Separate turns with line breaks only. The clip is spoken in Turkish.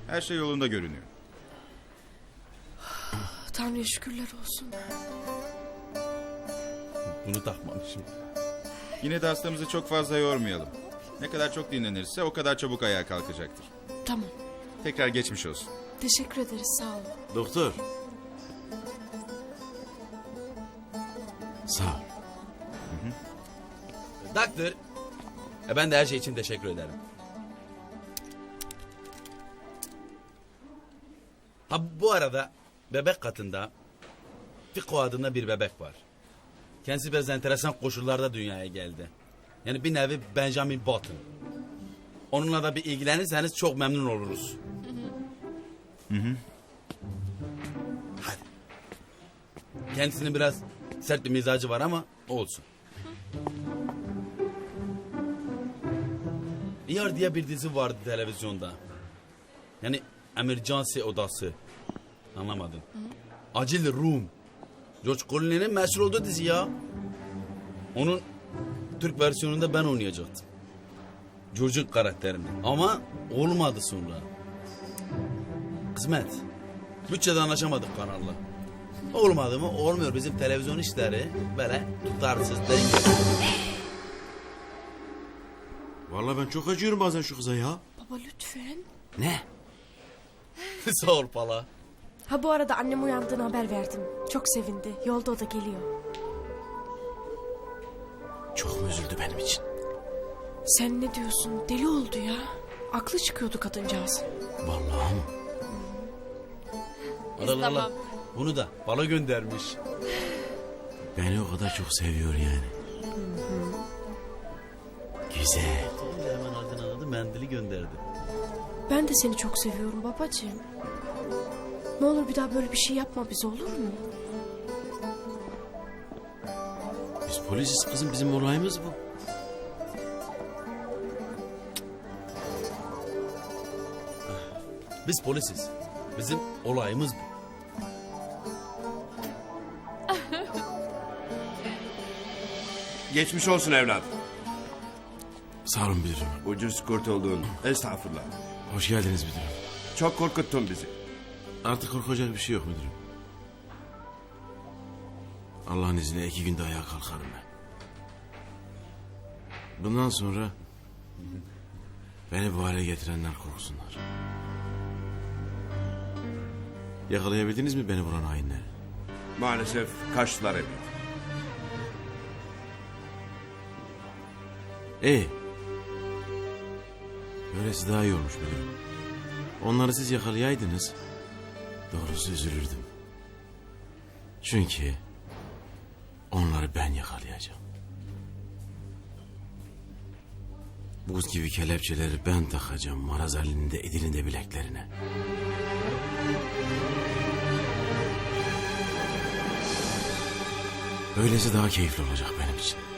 Her şey yolunda görünüyor.
Tanrı'ya şükürler olsun.
Bunu takmamışım.
Yine de hastamızı çok fazla yormayalım. Ne kadar çok dinlenirse o kadar çabuk ayağa kalkacaktır.
Tamam.
Tekrar geçmiş olsun.
Teşekkür ederiz, sağ olun.
Doktor. Sağ ol. Doktor. Ben de her şey için teşekkür ederim. Ha bu arada bebek katında Fiko adında bir bebek var. Kendisi biraz enteresan koşullarda dünyaya geldi. Yani bir nevi Benjamin Button. Onunla da bir ilgilenirseniz çok memnun oluruz. Hadi. Kendisinin biraz sert bir mizacı var ama olsun. ER diye bir dizi vardı televizyonda. Yani emergency odası. Anlamadın. Acil Room. George Clooney'nin meşhur olduğu dizi ya. Onun Türk versiyonunda ben oynayacaktım. George'un karakterini. Ama olmadı sonra. Kısmet. Bütçede anlaşamadık kanalla. Olmadı mı? Olmuyor. Bizim televizyon işleri böyle tutarsız dengesiz.
Vallahi ben çok acıyorum bazen şu kıza ya.
Baba lütfen.
Ne?
Sağ ol pala.
Ha bu arada annem uyandığını haber verdim. Çok sevindi. Yolda o da geliyor.
Çok mu üzüldü benim için?
Sen ne diyorsun? Deli oldu ya. Aklı çıkıyordu kadıncağız.
Vallahi mı?
Allah Allah. Bunu da bana göndermiş.
Beni o kadar çok seviyor yani. Güzel.
Hemen adını aldı, mendili gönderdi.
Ben de seni çok seviyorum babacığım. Ne olur bir daha böyle bir şey yapma bize, olur mu?
Biz polisiz kızım, bizim olayımız bu.
Biz polisiz. Bizim olayımız bu.
Geçmiş olsun evlat.
Sağ olun müdürüm.
Ucuz kurtuldun. Estağfurullah.
Hoş geldiniz müdürüm.
Çok korkuttun bizi.
Artık korkacak bir şey yok müdürüm. Allah'ın izniyle 2 günde ayağa kalkarım ben. Bundan sonra beni bu hale getirenler korksunlar. Yakalayabildiniz mi beni vuran hainleri?
Maalesef kaçtılar evlat.
İyi. Böylesi daha iyi olmuş müdürüm. Onları siz yakalayaydınız, doğrusu üzülürdüm. Çünkü onları ben yakalayacağım. Buz gibi kelepçeleri ben takacağım maraz halinde Edil'in bileklerine. Böylesi daha keyifli olacak benim için.